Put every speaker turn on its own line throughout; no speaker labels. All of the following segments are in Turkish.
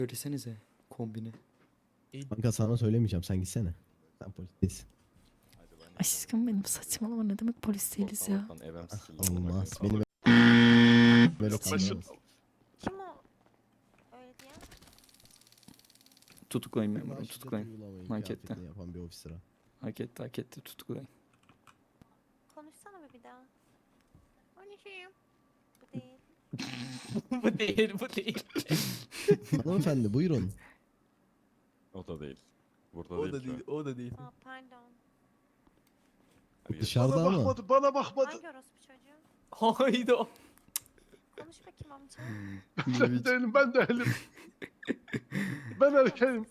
Söylesenize kombini.
Kanka sana söylemeyeceğim, sen gitsene. Sen polis değilsin.
Aşkım benim saçmalama, ne demek polis değiliz ya.
Olmaz. Beni böyle kandıramaz.
Kim o? Öyle diyen?
Tutuklayın memurum, tutuklayın. Hak etti.
Yapan bir ofisera.
Hak etti, tutuklayın.
Konuşsana bir daha. Konuşayım. Bu değil.
Bu değil.
Hanımefendi buyurun.
O da değil. Burada
O
değil
da değil, o da değil.
Aa, pardon.
Dışarıda
Bana
ama.
bakmadı, bana bakmadı.
Hangi orospu çocuğu?
Hayda.
Konuş bakayım amca.
Ben değilim, ben değilim. Ben erkeğim.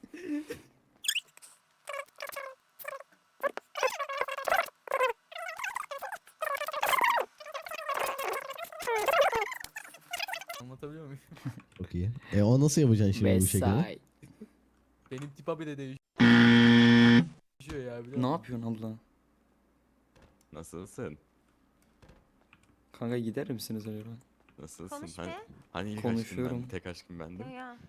Anlatabiliyor muyum?
Çok iyi. O nasıl yapacaksın şimdi bu şekilde?
Benim tipa bile değişiyor ya, biliyor
Ne
musun?
yapıyorsun abla?
Nasılsın?
Kanka gider misiniz acaba?
Nasılsın?
Konuş
Hani,
be.
hani ilk
Konuşuyorum.
aşkım ben, tek aşkım bendim.
Yo ya.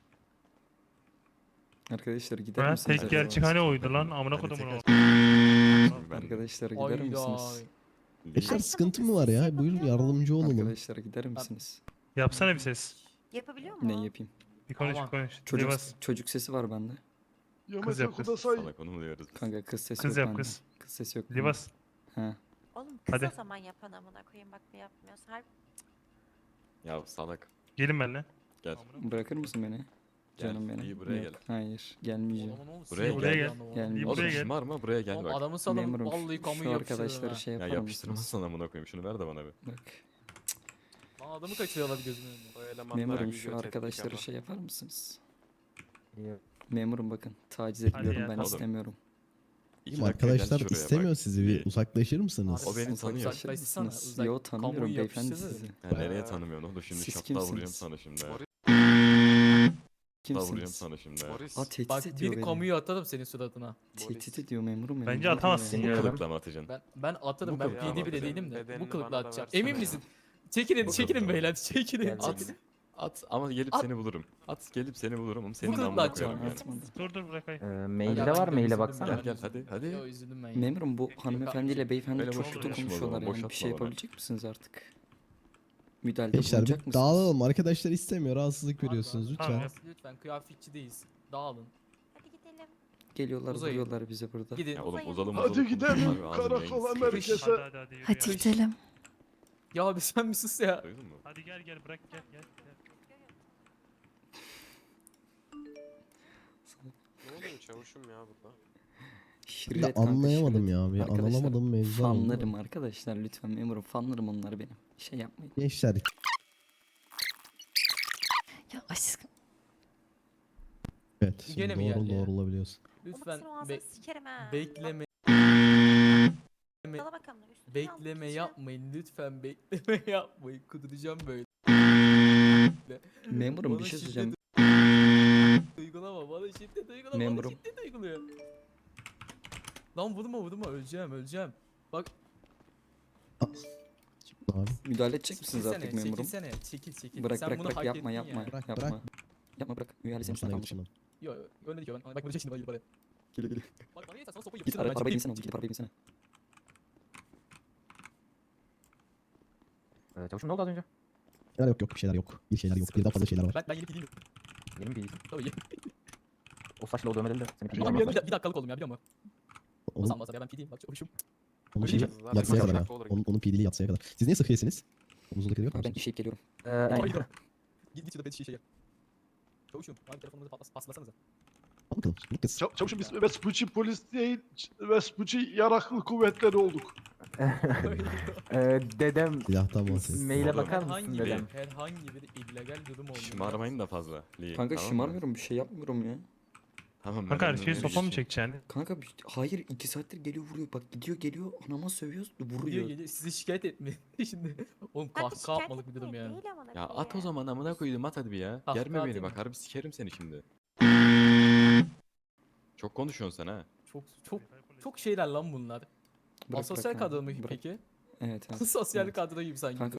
Arkadaşlar gider
Ha,
misiniz
tek
acaba?
gerçek hani oydu lan amına
Hani
kodumun
tek
o.
aşkım bendim.
Arkadaşlar gider
Hayda.
misiniz?
Gençler sıkıntı mı var ya? Buyurun yardımcı olalım.
Arkadaşlar gider misiniz?
Yapsana bir ses.
Yapabiliyor mu?
Ne yapayım?
Bir konuş
Aman.
bir konuş.
Çocuk,
Livas.
çocuk sesi var bende.
Kız
Yamete
yap, kız.
kudasay.
Salak onu mu diyoruz biz?
Kanka kız sesi
Kız
yok
yap,
bende.
kız.
Kız sesi yok bende.
Livas.
He.
Oğlum kız
Hadi.
o zaman yapan amına koyayım bak bir yapmıyorsa. Harbi
Ya salak.
Gelin benimle.
Gel.
Bırakır mısın beni?
Gel.
Canım benim.
İyi buraya
Yok,
gel.
Hayır gelmeyeceğim.
Buraya
Buraya
gel.
gel.
Gel.
İyi
Oğlum
buraya gel.
şımarma buraya gel bak.
Adamı salın
Memurum
vallahi kamu
şu
yapıştırırım
arkadaşları
ha.
şey
Ya
yapar
yapıştırmazsan
mısınız?
amına koyayım şunu ver de bana bir.
Bak.
Lan adamı kaçırıyorlar gözümün önünde.
Memurum şu arkadaşları şey yapar mısınız? Memurum bakın taciz ediliyorum
ya,
ben
tamam.
istemiyorum.
İki
Oğlum
dakika gel
arkadaşlar
şuraya
istemiyor
bak.
sizi. Bir
Bir-
uzaklaşır mısınız?
O beni tanıyor.
Uzaklaşsana,
Mısınız?
uzak-
Yo tanımıyorum
kamuoyu
beyefendi
yapıştırır.
sizi.
Ya nereye tanımıyorsun oğlum şimdi
Siz
şapta vuracağım
kimsiniz?
sana şimdi. Şapta vuracağım
Kimsiniz?
sana şimdi.
Aa tehdit
Bak
ediyor
bir
beni.
kamuyu atarım senin suratına.
Tehdit ediyor memurum ya.
Bence
Ne diyor
atamazsın
ya?
ya.
Kılıkla mı atacaksın?
Ben atarım,
Bu
ben
kılıkla
PD bile
atacağım.
değilim de. Bu
Bedenini
kılıkla
bana da
atacağım.
versene
Emin
ya.
misin? Çekilin,
Bu
çekilin
kılıkla.
beyler, çekilin.
At. At ama gelip
At.
seni bulurum. At gelip seni bulurum ama
Bu
senin
kılıkla
amına
atacağım.
koyarım yani.
Atmadım.
Dur bırakayım.
Mailde
Ya
var,
ben
maile
üzüldüm
baksana.
ya.
Gel hadi hadi.
Yo üzüldüm ben ya.
Memurum bu hanımefendiyle beyefendi
Böyle
çok
boş
kötü
konuşma o
konuşuyorlar
zaman,
yani. Bir
boş
şey
atma bana.
yapabilecek misiniz artık? Müdahalede
Gençler
bulunacak
bir
mısınız?
dağılalım. Arkadaşlar istemiyor. Rahatsızlık veriyorsunuz
Tamam.
lütfen.
Lütfen kıyafetçideyiz. Dağılın.
hadi gidelim.
Geliyorlar
Uzayın.
vuruyorlar bize burada.
Gidin.
Ya oğlum
Uzayın.
uzalım
Hadi
uzalım.
gidelim
konuşma abi, ağzını
karakola
yayın
merkeze.
Hadi yürü
Hadi
ya.
gidelim.
Ya abi sen bir sus ya.
Duydun mu?
Hadi gel bırak gel.
Ne oluyor çavuşum ya burada?
Bir de
Şirret kanka,
anlayamadım
şirret.
ya. Bir
Arkadaşlar,
anlamadım mevzu.
Fanlarım arkadaşlar lütfen memurum fanlarım onlar benim. Şey yapmayın.
Gençler
Ya aşkım.
evet.
Gene mi
Doğru
geldi ya?
doğru olabiliyorsun.
Oğlum
Lütfen
senin o ağzını sikerim ha.
bekleme
Dala bakalım. Üstüne
bekleme
aldık
yapmayın lütfen bekleme yapmayın. Kuduracağım böyle.
Memurum bir
Bana
şey
şiddet
söyleyeceğim.
Uygulama bana şiddet uygulama
Memurum.
bana şiddet uyguluyor. Lan vurma öleceğim. Bak
Abi.
Müdahale edecek misiniz artık memurum?
çekilsene çekil.
Bırak
Sen
bırak
bunu
bırak
hak
yapma
ettin
yapma
ya.
Bırak,
yapma.
bırak.
Yapma bırak. Müdahale seni
Sana
sana
geçemem.
Yo öyle diyor ben. Bak vuracak şimdi bana.
Gel gel.
Bak bana yeter sana sopayı
Git
yapıştırırım ben.
arabaya binsene oğlum. Git arabaya binsene.
Çavuşum ne oldu az önce?
Yok bir şeyler yok. Bir şeyler yok. Birden fazla şeyler var.
Ben yeni gideyim.
Benim değilsin.
Tabii yeni.
O saçla o dövmeli de seni
Oğlum
pijama
bir dakikalık oldum ya biliyor musun?
Onun,
Basam ya ben pideyim bak hoşum.
onun
öyle
şeyi
diyeceğiz
zaten.
yatsıya kadar ya.
Masraflı olarak.
Onun PD'li yatsıya kadar. Siz niye sıkıyesiniz? Omuzunda kırıyor
Ben
musunuz?
işeyip geliyorum.
Hayda. Git şurada pet şey yap. Çavuşum abi telefonunuzu paslasanıza.
Al bakalım. Bu kız.
Çavuşum biz Vespucci polis değil, Vespucci yaraklı kuvvetleri olduk.
Dedem
Silahtan bahsediyor.
maile
Oğlum,
bakar mısın dedem?
Herhangi bir illegal durum oldu.
Şımarmayın da fazla. Lee,
Kanka
tamam mı?
şımarmıyorum bir şey yapmıyorum ya.
Tamam ben
Kanka her
anladım,
şeyi
ne
sopa mı
diyeceğim.
çekeceksin?
Kanka hayır 2 saattir geliyor vuruyor. Bak gidiyor geliyor anama sövüyor vuruyor.
Geliyor sizi şikayet etmeyin şimdi. Oğlum
Hadi
kahkaha
şikayet
atmalık bir durum
etmeyin,
ya.
değil amına
Ya at o
koyayım.
zaman amına koydum at hadi bir ya.
Ah,
Germe beni
atayım.
bak harbi sikerim seni şimdi. Çok konuşuyorsun sen ha.
Çok şeyler lan bunlar.
Bırak,
Asosyal
bırak
kadro
abi,
mu
bırak.
peki?
Evet evet.
Sosyal
Evet.
kadro gibi sanki.
Kanka